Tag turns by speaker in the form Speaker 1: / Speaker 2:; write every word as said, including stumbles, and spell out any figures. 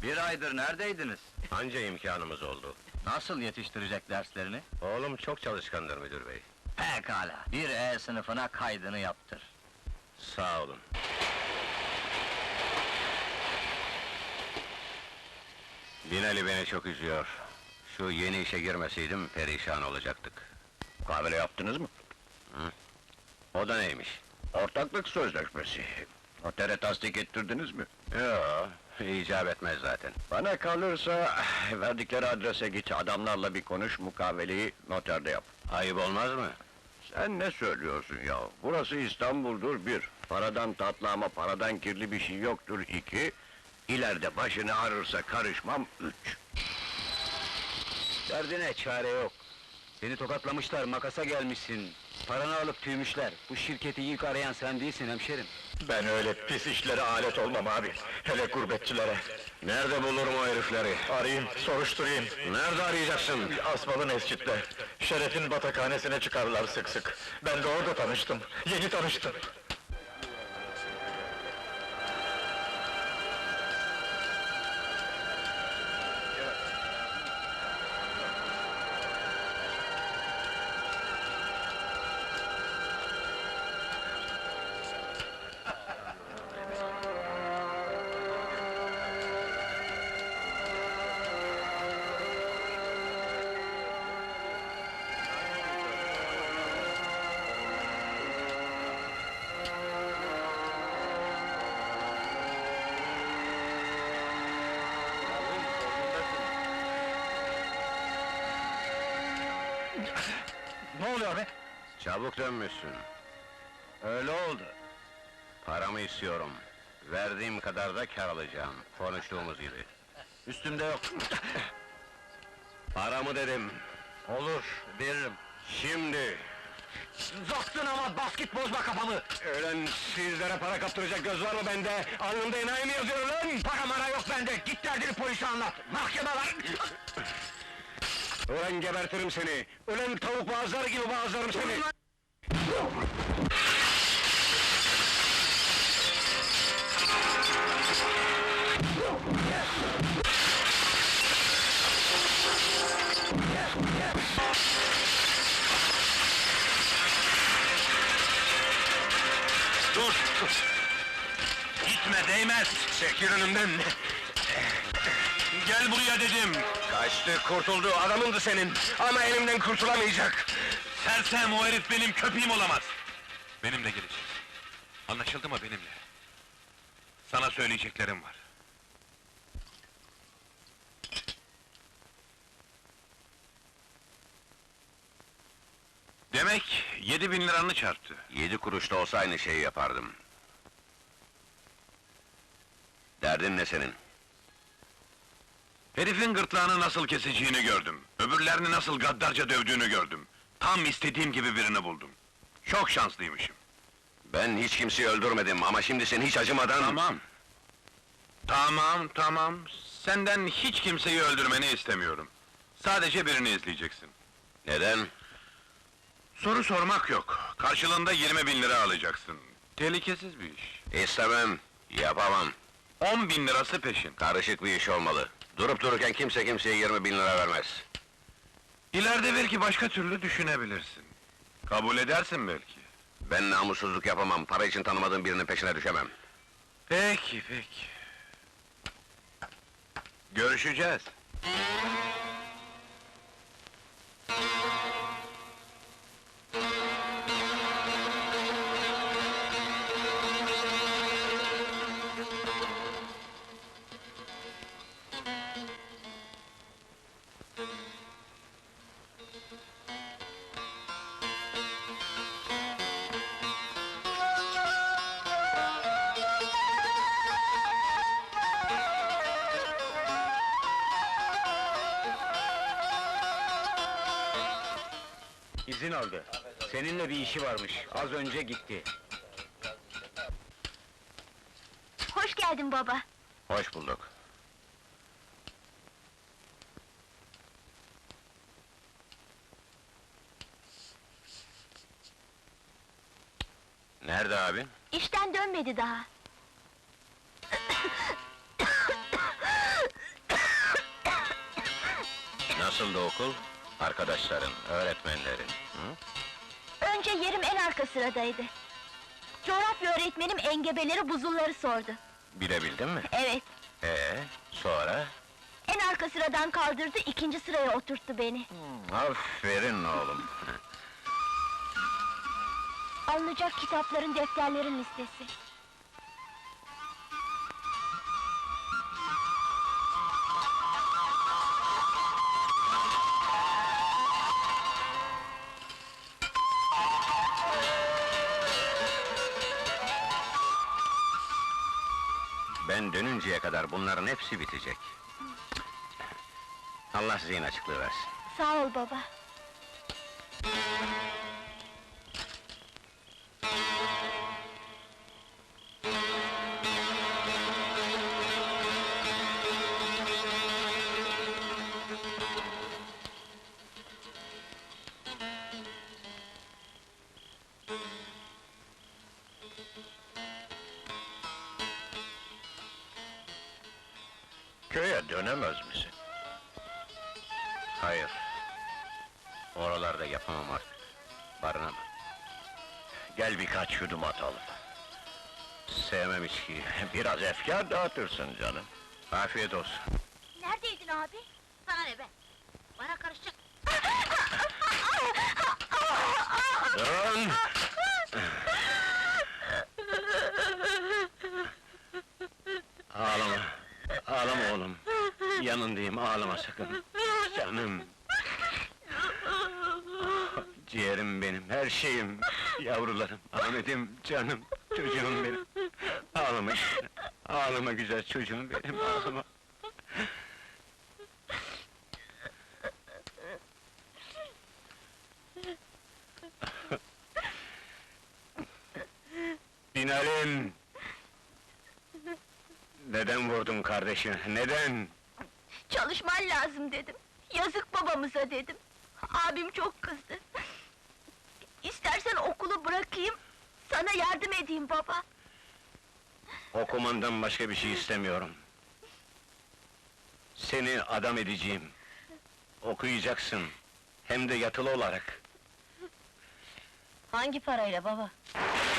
Speaker 1: Bir aydır neredeydiniz?
Speaker 2: Anca imkanımız oldu.
Speaker 1: Nasıl yetiştirecek derslerini?
Speaker 2: Oğlum çok çalışkandır müdür bey.
Speaker 1: Pekala, bir E sınıfına kaydını yaptır.
Speaker 2: Sağ olun. Binali beni çok üzüyor. Şu yeni işe girmeseydim perişan olacaktık.
Speaker 3: Kahvele yaptınız mı?
Speaker 2: Hı? O da neymiş?
Speaker 3: Ortaklık sözleşmesi. Notere tasdik ettirdiniz mi?
Speaker 2: Yo, icap etmez zaten.
Speaker 3: Bana kalırsa, verdikleri adrese git, adamlarla bir konuş, mukaveleyi noterde yap.
Speaker 2: Ayıp olmaz mı?
Speaker 3: Sen ne söylüyorsun ya? Burası İstanbul'dur, bir. Paradan tatlı ama paradan kirli bir şey yoktur, iki. İleride başını ağrırsa karışmam, üç.
Speaker 1: Derdine çare yok. Seni tokatlamışlar, makasa gelmişsin. Paranı alıp tüymüşler. Bu şirketi ilk arayan sen değilsin hemşerim.
Speaker 3: Ben öyle pis işlere alet olmam abi, hele gurbetçilere.
Speaker 2: Nerede bulurum o herifleri?
Speaker 3: Arayayım, soruşturayım.
Speaker 2: Nerede arayacaksın?
Speaker 3: Asmalı mescitte, Şeref'in batakhanesine çıkarlar sık sık. Ben de orada tanıştım, yeni tanıştım.
Speaker 1: Ne oluyor be?
Speaker 2: Çabuk dönmüşsün.
Speaker 1: Öyle oldu.
Speaker 2: Paramı istiyorum. Verdiğim kadar da kar alacağım. Konuştuğumuz gibi.
Speaker 1: Üstümde yok.
Speaker 2: Paramı dedim.
Speaker 1: Olur, veririm.
Speaker 2: Şimdi.
Speaker 1: Zoktun ama basket bozma kafamı!
Speaker 2: Ölen sizlere para kaptıracak göz var mı bende? Alnımda enayi mi yazıyor lan?
Speaker 1: Para mara yok bende, git derdini polise anlat! Mahkeme var!
Speaker 2: Ölen gebertirim seni! Ölen tavuk boğazları gibi boğazlarım seni!
Speaker 3: Dur! Gitme, değmez!
Speaker 2: Çekil önümden!
Speaker 3: Gel buraya dedim!
Speaker 2: Kaçtı, kurtuldu, adamındı senin! Ama elimden kurtulamayacak!
Speaker 3: Sersem, o herif benim köpeğim olamaz! Benimle geleceksin. Anlaşıldı mı benimle? Sana söyleyeceklerim var. Demek yedi bin liranı çarptı.
Speaker 2: Yedi kuruş da olsa aynı şeyi yapardım. Derdin ne senin?
Speaker 3: Herifin gırtlağını nasıl keseceğini gördüm. Öbürlerini nasıl gaddarca dövdüğünü gördüm. Tam istediğim gibi birini buldum. Çok şanslıymışım.
Speaker 2: Ben hiç kimseyi öldürmedim ama şimdi sen hiç acımadan...
Speaker 3: Tamam. Tamam, tamam. Senden hiç kimseyi öldürmeni istemiyorum. Sadece birini izleyeceksin.
Speaker 2: Neden?
Speaker 3: Soru sormak yok. Karşılığında yirmi bin lira alacaksın. Tehlikesiz bir iş.
Speaker 2: İstemem, yapamam.
Speaker 3: On bin lirası peşin.
Speaker 2: Karışık bir iş olmalı. Durup dururken kimse kimseye yirmi bin lira vermez.
Speaker 3: İleride belki başka türlü düşünebilirsin. Kabul edersin belki.
Speaker 2: Ben namussuzluk yapamam, para için tanımadığım birinin peşine düşemem.
Speaker 3: Peki, peki. Görüşeceğiz.
Speaker 1: İzin aldı. Seninle bir işi varmış, az önce gitti.
Speaker 4: Hoş geldin baba.
Speaker 2: Hoş bulduk. Nerede abi?
Speaker 4: İşten dönmedi daha.
Speaker 2: Nasıldı okul? Arkadaşların, öğretmenlerin? Hı?
Speaker 4: Önce yerim en arka sıradaydı. Coğrafya öğretmenim engebeleri buzulları sordu.
Speaker 2: Bilebildin mi?
Speaker 4: Evet,
Speaker 2: Ee, sonra?
Speaker 4: en arka sıradan kaldırdı, ikinci sıraya oturttu beni.
Speaker 2: Aferin oğlum.
Speaker 4: Alınacak kitapların, defterlerin listesi.
Speaker 2: Ben dönünceye kadar bunların hepsi bitecek. Allah zihin açıklığı versin.
Speaker 4: Sağ ol baba.
Speaker 3: Köye dönemez misin?
Speaker 2: Hayır. Oralarda yapamam artık. Barınamam.
Speaker 3: Gel birkaç yudum atalım.
Speaker 2: Sevmem içkiyi.
Speaker 3: Biraz efkar dağıtırsın canım.
Speaker 2: Afiyet olsun.
Speaker 4: Neredeydin abi? Sana ne be? Bana karışacak.
Speaker 2: Dön! Ağlama. Ağlama oğlum. Yanındayım, ağlama sakın. Canım. Ciğerim benim, her şeyim. Yavrularım, Ahmet'im, canım, çocuğum benim. Ağlama işte. Ağlama güzel çocuğum benim, ağlama. Binalim! Neden vurdun kardeşim, neden?
Speaker 4: Çalışman lazım dedim. Yazık babamıza dedim. Abim çok kızdı. İstersen okulu bırakayım, sana yardım edeyim baba.
Speaker 2: Okumandan başka bir şey istemiyorum. Seni adam edeceğim. Okuyacaksın. Hem de yatılı olarak.
Speaker 4: Hangi parayla baba?